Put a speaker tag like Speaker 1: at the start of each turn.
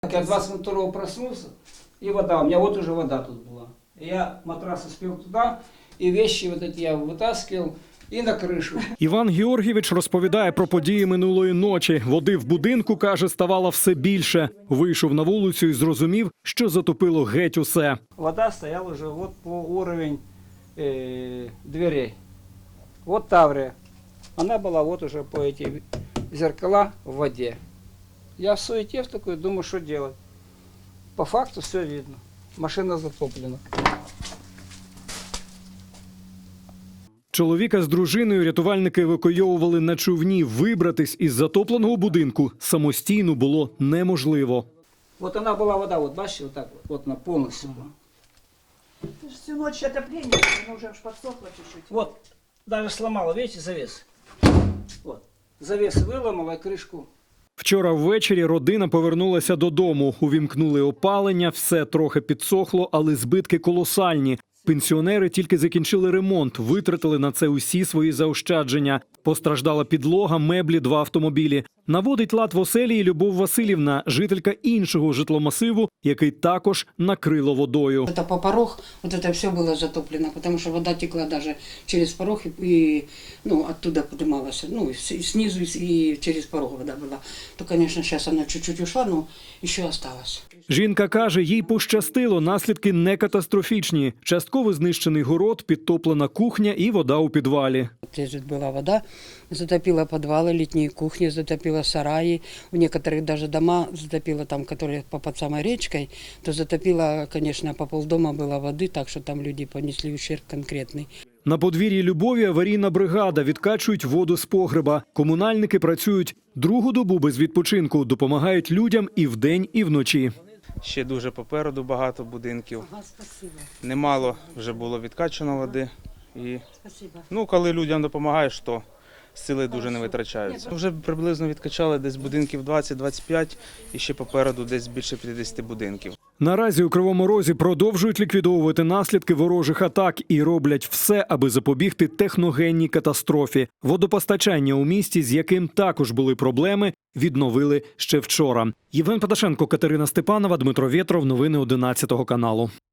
Speaker 1: Я 22-го проснулся, и вода, у меня вот уже вода тут была. Я матрас успел туда, и вещи вот эти я вытаскивал, і на кришу.
Speaker 2: Іван Георгійович розповідає про події минулої ночі. Води в будинку, каже, ставало все більше. Вийшов на вулицю і зрозумів, що затопило геть усе.
Speaker 1: Вода стояла уже вот по уровень дверей. Вот Таврия. Она была вот уже по эти зеркала в воде. Я в суете в такой думаю, что делать. По факту все видно. Машина затоплена.
Speaker 2: Чоловіка з дружиною рятувальники евакуйовували на човні. Вибратись із затопленого будинку самостійно було неможливо.
Speaker 1: Вот она была вода, вот бачите, вот так вот она полностью была.
Speaker 3: Это же всю ночь отопление, оно уже аж подсохло чуть-чуть.
Speaker 1: Вот, даже сломала, видите, завес. Вот, завес выломала, крышку.
Speaker 2: Вчора ввечері родина повернулася додому. Увімкнули опалення, все трохи підсохло, але збитки колосальні. Пенсіонери тільки закінчили ремонт, витратили на це усі свої заощадження. Постраждала підлога, меблі, 2 автомобілі. Наводить лад в оселі і Любов Васильівна, жителька іншого житломасиву, який також накрило водою.
Speaker 4: Это по порог, вот это все было затоплено, потому что вода текла даже через порог и оттуда поднималась, и снизу, и через порог вода была. То, конечно, сейчас она чуть-чуть ушла, но еще осталась.
Speaker 2: Жінка каже, їй пощастило, наслідки не катастрофічні. Частково знищений город, підтоплена кухня і вода у підвалі.
Speaker 4: Лежит была вода, затопила подвалы, летние кухни, затопила сараи, в некоторых даже дома затопила там, которые под самой речкой, то затопила, конечно, по полдома было воды, так что там люди понесли ущерб конкретный.
Speaker 2: На подвір'ї Любові аварійна бригада, відкачують воду з погреба. Комунальники працюють другу добу без відпочинку, допомагають людям і вдень, і вночі.
Speaker 5: Ще дуже попереду багато будинків. Немало вже було відкачано води. І, коли людям допомагаєш, то сили дуже не витрачаються. Вже приблизно відкачали десь будинків 20-25 і ще попереду десь більше 50 будинків.
Speaker 2: Наразі у Кривому Розі продовжують ліквідовувати наслідки ворожих атак і роблять все, аби запобігти техногенній катастрофі. Водопостачання у місті, з яким також були проблеми, відновили ще вчора. Євген Паташенко, Катерина Степанова, Дмитро Вєтров. Новини 11 каналу.